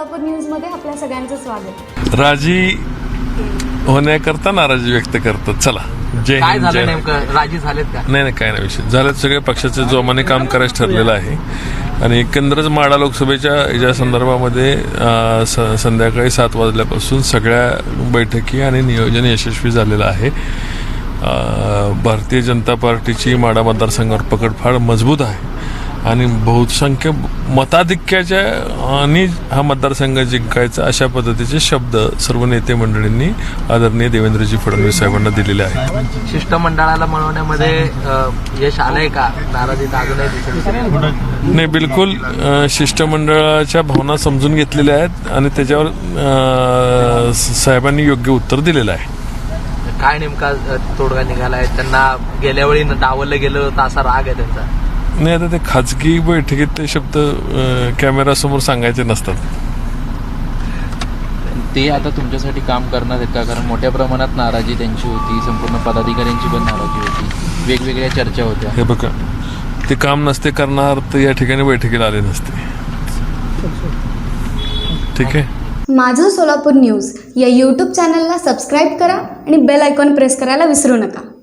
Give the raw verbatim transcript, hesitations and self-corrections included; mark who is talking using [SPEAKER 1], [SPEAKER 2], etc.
[SPEAKER 1] सोलापूर न्यूजमध्ये आपल्या सगळ्यांचं स्वागत।
[SPEAKER 2] राजी होण्याकरता नाराजी व्यक्त करतात। चला, जय
[SPEAKER 3] काय
[SPEAKER 2] हिंद,
[SPEAKER 3] झालं
[SPEAKER 2] जय
[SPEAKER 3] नेमकं? राजी झालेत का?
[SPEAKER 2] नाही नाही काय नाही विषय झालं, सगळे पक्षाचे जोमाने काम करायचं ठरलेलं आहे आणि एकंदरच माढा लोकसभेच्या या संदर्भामध्ये अं, स- संध्याकाळी सात वाजल्यापासून सगळ्या बैठकी आणि नियोजन यशस्वी झालेलं आहे। अं, भारतीय जनता पार्टीची माढा मतदारसंघावर पकड फार मजबूत आहे आणि बहुसंख्य मताधिक्याच्या आणि हा मतदारसंघ जिंकायचा अशा पद्धतीचे शब्द सर्व नेते मंडळींनी आदरणीय देवेंद्रजी फडणवीस साहेबांना दिलेले आहेत।
[SPEAKER 3] शिष्टमंडळाला मिळवण्यामध्ये अ, यश आलंय का? नाराजी अजूनही दिसत
[SPEAKER 2] नाही, बिलकुल अ, शिष्टमंडळाच्या भावना समजून घेतलेल्या आहेत आणि त्याच्यावर अ, साहेबांनी योग्य उत्तर दिलेलं आहे।
[SPEAKER 3] काय नेमका अ, तोडगा निघालाय? त्यांना गेल्या वेळी डावललं गेलं होतं असा राग आहे त्यांचा?
[SPEAKER 2] नाही, आता ते खाजगी बैठकीत ते शब्द अ, कॅमेरासमोर सांगायचे नसतात।
[SPEAKER 4] ते आता तुमच्यासाठी काम करणार आहेत का? कारण मोठ्या प्रमाणात नाराजी त्यांची होती, संपूर्ण पदाधिकाऱ्यांची पण नाराजी होती, वेगवेगळ्या चर्चा होत्या।
[SPEAKER 2] हे बघा, ते काम नसते करणार तर या ठिकाणी बैठकीला आले नसते। ठीक आहे।
[SPEAKER 1] माझं सोलापूर न्यूज या यूट्यूब चॅनलला सबस्क्राईब करा आणि बेल आयकॉन प्रेस करायला विसरू नका।